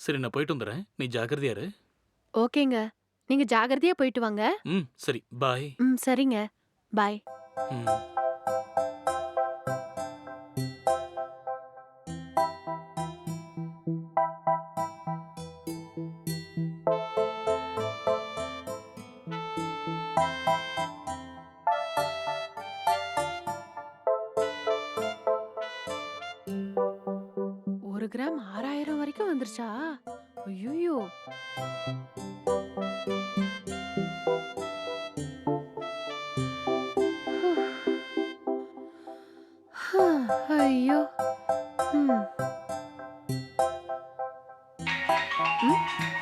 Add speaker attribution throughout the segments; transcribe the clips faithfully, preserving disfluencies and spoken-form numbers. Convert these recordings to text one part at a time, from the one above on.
Speaker 1: சரி நான் போயிட்டு வந்துடுறேன். நீ ஜாக்கிரதையா இரு.
Speaker 2: ஓகேங்க. நீங்க ஜாக்கிரதையா போயிட்டு வாங்க.
Speaker 1: ம் சரி பாய்.
Speaker 2: ம் சரிங்க. பாய்.
Speaker 1: ம்.
Speaker 2: ஒரு கிராம் ஆறாயிரம் வரைக்கும் வந்துருச்சா? ஐய்யய்யோ! ஐயோ! ம். ம்.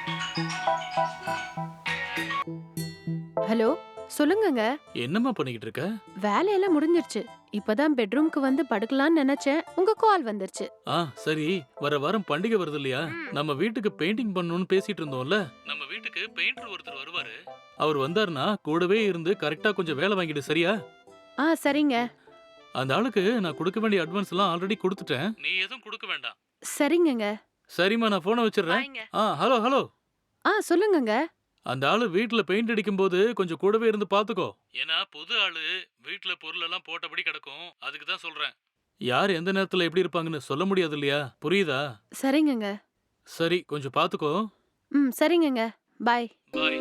Speaker 2: ஹலோ சொல்லுங்கங்க.
Speaker 1: என்னம்மா பண்ணிக்கிட்டு இருக்க?
Speaker 2: வேலையெல்லாம் முடிஞ்சிருச்சு. இப்பதான் பெட்ரூம்க்கு வந்து படுக்கலாம்னு நினைச்சேன். உங்க கால் வந்துருச்சு.
Speaker 1: ஆ சரி, வர வாரம் பண்டிகை வருது இல்லையா? நம்ம வீட்டுக்கு பெயிண்டிங் பண்ணணும்னு பேசிட்டு இருந்தோம்ல. நம்ம வீட்டுக்கு பெயிண்டர் ஒருத்தர் வருவாரு. அவர் வந்தாருன்னா கூடவே இருந்து கரெக்டா கொஞ்சம் வேலை வாங்கிடு, சரியா?
Speaker 2: ஆ சரிங்க.
Speaker 1: அந்த ஆளுக்கு நான் கொடுக்க வேண்டிய அட்வான்ஸ் எல்லாம் ஆல்ரெடி கொடுத்துட்டேன். நீ எதுவும் கொடுக்க வேண்டாம்.
Speaker 2: சரிங்கங்க.
Speaker 1: சரிம்மா, நான் போனை வச்சிடுறேன்.
Speaker 2: பாய்ங்க.
Speaker 1: ஆ ஹலோ ஹலோ.
Speaker 2: ஆ சொல்லுங்கங்க.
Speaker 1: அந்த ஆளு வீட்ல பெயிண்ட் அடிக்கும்போது கொஞ்சம் கூடவே இருந்து பாத்துக்கோ. ஏன்னா புது ஆளு வீட்ல பொருள் எல்லாம் போட்டபடி கிடக்கும். அதுக்கு தான் சொல்றேன். யார் எந்த நேரத்துல எப்படி இருப்பாங்கன்னு சொல்ல முடியாது இல்லையா? புரியுதா?
Speaker 2: சரிங்கங்க.
Speaker 1: சரி, கொஞ்சம் பாத்துக்கோ.
Speaker 2: ம் சரிங்கங்க. பாய்.
Speaker 1: பாய்.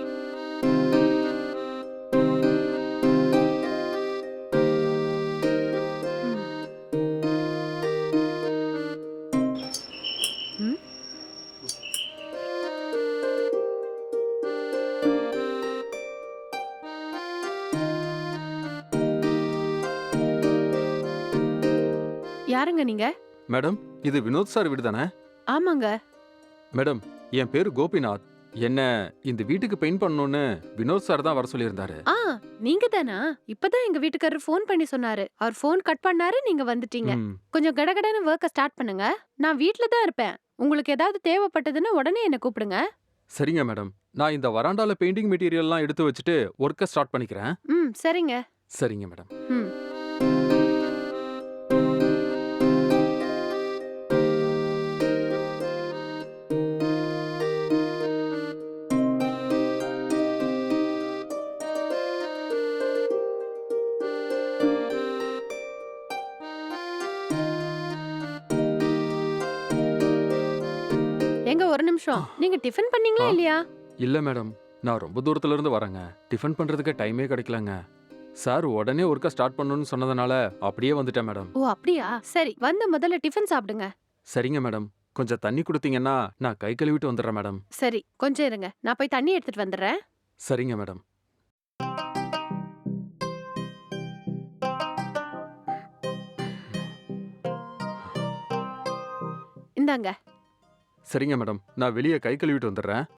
Speaker 2: ம். ம். யாருங்க நீங்க?
Speaker 3: மேடம், இது வினோத் சார் வீடு தானே?
Speaker 2: ஆமாங்க.
Speaker 3: மேடம், என் பேரு கோபிநாத். என்ன இந்த வீட்டுக்கு பெயிண்ட் பண்ணணும்னு வினோத் சார் தான் வர சொல்லியிருந்தாரு.
Speaker 2: ஆ நீங்க தானா? இப்பதான் எங்க வீட்டுக்காரர் ஃபோன் பண்ணி சொன்னாரு. அவர் ஃபோன் கட் பண்ணாரு, நீங்க வந்துட்டீங்க.
Speaker 3: ம்,
Speaker 2: கொஞ்சம் கடகடன்னு வொர்க்க ஸ்டார்ட் பண்ணுங்க. நான் வீட்ல தான் இருப்பேன். உங்களுக்கு ஏதாவது தேவைப்பட்டதுன்னா உடனே என்ன கூப்பிடுங்க.
Speaker 3: சரிங்க மேடம். நான் இந்த வராண்டால பெயிண்டிங் மெட்டீரியல்லாம் எடுத்து வச்சுட்டு ஒர்க்கை ஸ்டார்ட் பண்ணிக்கிறேன்.
Speaker 2: ம் சரிங்க.
Speaker 3: சரிங்க மேடம்.
Speaker 2: ம். எங்க ஒரு நிமிஷம். நீங்க டிஃபன் பண்ணீங்களா
Speaker 3: ஆ?
Speaker 2: இல்லையா?
Speaker 3: இல்ல மேடம், நான் ரொம்ப தூரத்துல இருந்து வரேங்க. டிஃபன் பண்றதுக்கு டைமே கிடைக்கலங்க. சார் உடனே ஒர்க்கை ஸ்டார்ட் பண்ணணும்னு சொன்னதுனால அப்படியே வந்துட்டேன் மேடம்.
Speaker 2: ஓ அப்படியா? சரி. வந்து முதல்ல டிஃபன் சாப்பிடுங்க.
Speaker 3: சரிங்க மேடம். கொஞ்சம் தண்ணி கொடுத்தீங்கன்னா நான் கை கழுவிட்டு வந்துடுறேன் மேடம்.
Speaker 2: சரி. கொஞ்சம் இருங்க. நான் போய் தண்ணி எடுத்துட்டு வந்துடுறேன்.
Speaker 3: சரிங்க மேடம்.
Speaker 2: இந்தாங்க.
Speaker 3: சரிங்க மேடம். நான் வெளியே கை கழுவிட்டு வந்துடுறேன்.